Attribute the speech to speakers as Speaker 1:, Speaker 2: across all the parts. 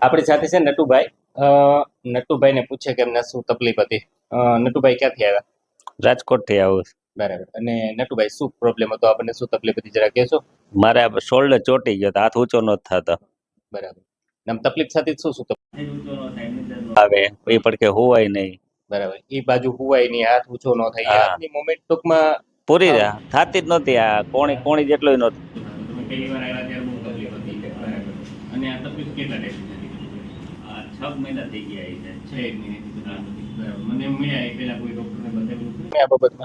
Speaker 1: આપણી સાથે છે નટુભાઈ. નટુભાઈને પૂછે કે એમને શું તકલીફ હતી. નટુભાઈ ક્યાંથી આવ્યા?
Speaker 2: રાજકોટ થી આવું છું.
Speaker 1: બરાબર. અને નટુભાઈ શું પ્રોબ્લેમ હતો, આપણને શું તકલીફ હતી જરા કહેશો?
Speaker 2: મારે શોલ્ડર ચોટી ગયો તો હાથ ઊંચો ન થતો.
Speaker 1: બરાબર. આમ તકલીફ સાથે શું શું
Speaker 2: આવે એ પડકે હોવાય નહીં.
Speaker 1: બરાબર. એ બાજુ હુવાય નહીં, હાથ ઊંચો ન થાય, એ
Speaker 2: હા.
Speaker 1: હાથની મોમેન્ટ ટૂંકમાં
Speaker 2: પૂરી થતી જ નહોતી. આ કોણી કોણી જેટલું નહોતું.
Speaker 1: તમે પહેલી વાર આવ્યા ત્યારે બહુ તકલીફ હતી. બરાબર. અને આ તકલીફ કેટલા ટાઈમથી હતી?
Speaker 2: આ 6 મહિના થઈ ગયા છે.
Speaker 1: 6 મહિનાથી તકલીફ હતી. બરાબર. મને મળ્યા એ પહેલા કોઈ ડોક્ટરને બતાવ્યું હતું આ બાબતમાં?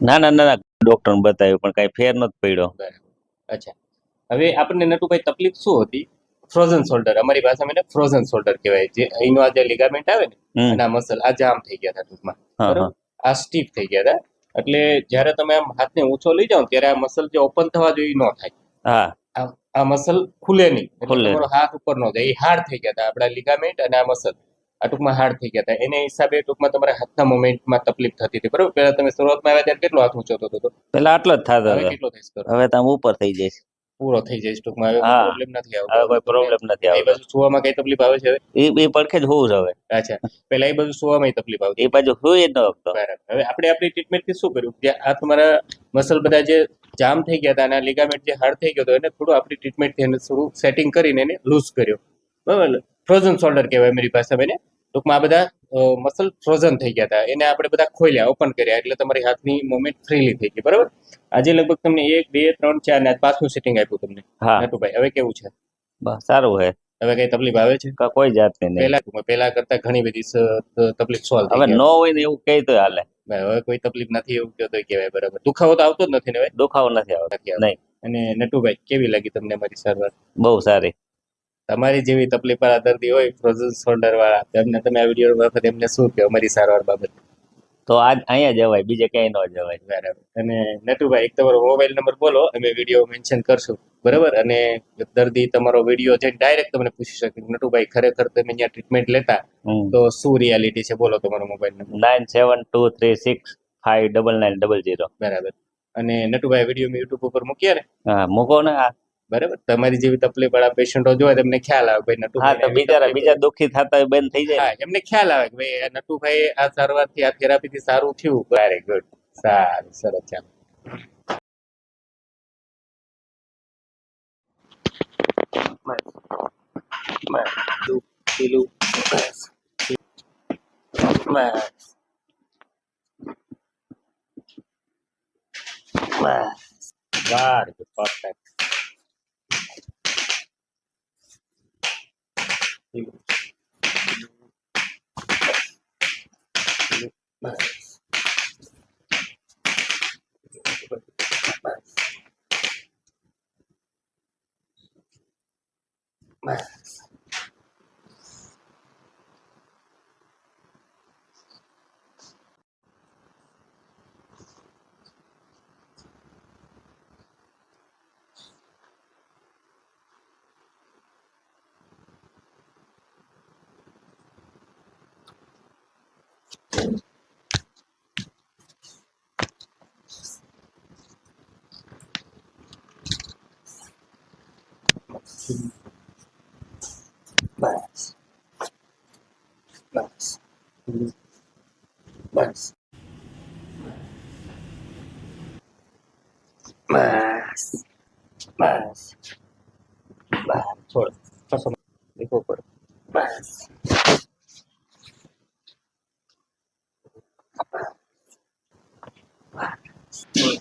Speaker 2: ના ડોક્ટર બતાવ્યું પણ કઈ ફેર નથી પડ્યો.
Speaker 1: બરાબર. અચ્છા. હવે આપણને નટુભાઈ તકલીફ શું હતી? ફ્રોઝન શોલ્ડર, અમારી ભાષામાં એને ફ્રોઝન શોલ્ડર કહેવાય. જે અહીંનો આ જે લિગામેન્ટ આવે ને અને આ મસલ આ જામ થઈ ગયા હતા ટૂંકમાં. બરાબર. આ સ્ટીફ થઈ ગયા હતા. એટલે જ્યારે તમે આમ હાથને ઊંચો લઈ જાઓ ત્યારે આ મસલ જે ઓપન થવા જોઈએ ન થાય.
Speaker 2: હા.
Speaker 1: આ મસલ ખુલે નહીં, એટલે તમારો હાથ ઉપર ન જાય. એ હાર્ડ થઈ ગયા હતા આપણા લિગામેન્ટ અને આ મસલ આ ટૂંકમાં હાર્ડ થઈ ગયા હતા. એને હિસાબે ટૂંકમાં તમારા હાથના મોમેન્ટમાં તકલીફ થતી હતી. બરાબર. પહેલા તમે શરૂઆતમાં આવ્યા ત્યારે કેટલો હાથ ઊંચો થતો હતો?
Speaker 2: પેલા આટલો જ થતો
Speaker 1: હવે
Speaker 2: હતો.
Speaker 1: કેટલો થઈ ગયો?
Speaker 2: હવે તમે ઉપર થઈ જઈશ.
Speaker 1: પૂરો થઈ જાય ટૂંકમાં. હવે પ્રોબ્લેમ નથી આવતો.
Speaker 2: હવે કોઈ પ્રોબ્લેમ નથી
Speaker 1: એ
Speaker 2: આવતો.
Speaker 1: બાજુ સુવામાં કઈ તકલીફ આવે છે હવે?
Speaker 2: એ પડખે જ હોવું હવે.
Speaker 1: અચ્છા. પહેલા એ બાજુ સુવામાં તકલીફ આવતી?
Speaker 2: એ બાજુ હોઈ જ ન શકતો.
Speaker 1: બરાબર. હવે આપણે આપણી ટ્રીટમેન્ટથી શું કર્યું કે આ તમારા મસલ બધા જે જામ થઈ ગયા હતા અને આ લિગામેન્ટ જે હાર્ડ થઈ ગયો હતો એને થોડું આપણી ટ્રીટમેન્ટથી એને થોડું સેટિંગ કરીને એને લૂઝ કર્યો. બરાબર. ફ્રોઝન શોલ્ડર કહેવાય મારી ભાષામાં એને. ટૂંકમાં આ બધા મસલ ફ્રોઝન થઈ ગયા હતા, એને આપણે બધા ખોલ્યા, ઓપન કર્યા, એટલે તમારી હાથની મુવમેન્ટ ફ્રીલી થઈ ગઈ. બરાબર. આજે લગભગ તમને 1 2 3 4 ને 5નું સેટિંગ આપ્યું તમને. નટુભાઈ હવે કેવું છે?
Speaker 2: બસ સારું છે.
Speaker 1: હવે કઈ તકલીફ આવે છે?
Speaker 2: કોઈ જાતની નહીં.
Speaker 1: પહેલા કરતા ઘણી બધી તકલીફ સોલ્વ થઈ
Speaker 2: હવે
Speaker 1: ગઈ.
Speaker 2: ન હોય ને એવું કહી તો હાલે.
Speaker 1: હવે કોઈ તકલીફ નથી એવું કહો તો કહેવાય. બરાબર. દુખાવો તો આવતો જ નથી ને હવે?
Speaker 2: દુખાવો નથી આવતો નહીં.
Speaker 1: અને નટુભાઈ કેવી લાગી તમને મારી સારવાર?
Speaker 2: બહુ સારી.
Speaker 1: તમારી જેવી તકલીફ વાળા દર્દી હોય ફ્રોઝન શોલ્ડર વાળા, તેમને તમે આ વિડીયો વખત એમને શું કહો અમારી સારવાર બાબત?
Speaker 2: તો આજ અહીંયા જવાય, બીજે ક્યાંય ન જવાય.
Speaker 1: બરાબર. અને નટુભાઈ એક તમારો મોબાઈલ નંબર બોલો, અમે વિડીયો મેન્શન કરશું. બરાબર. અને દર્દી તમારો વિડીયો જઈને ડાયરેક્ટ તમને પૂછી શકે નટુભાઈ ખરેખર તમે અહીંયા ટ્રીટમેન્ટ લેતા તો શું રિયાલિટી છે? બોલો તમારો મોબાઈલ નંબર.
Speaker 2: 9723659900.
Speaker 1: બરાબર. અને નટુભાઈ વિડીયો મેં યુટ્યુબ ઉપર મૂક્યા ને?
Speaker 2: હા મૂકો ને.
Speaker 1: બરાબર. તમારી જેવી તકલીફ વાળા પેશન્ટો જોવે તમને ખ્યાલ આવે ભાઈ નટુભાઈ.
Speaker 2: હા તો બીજા દુઃખી થતા હોય બંધ થઈ જાય.
Speaker 1: હા, એમને ખ્યાલ આવે કે ભાઈ નટુભાઈ આ સારવારથી આ થેરાપીથી સારું થયું. Very good. સારું, સરસ. ચાલો. Perfect. બસ. છોડ. દેખો પડે. બસ.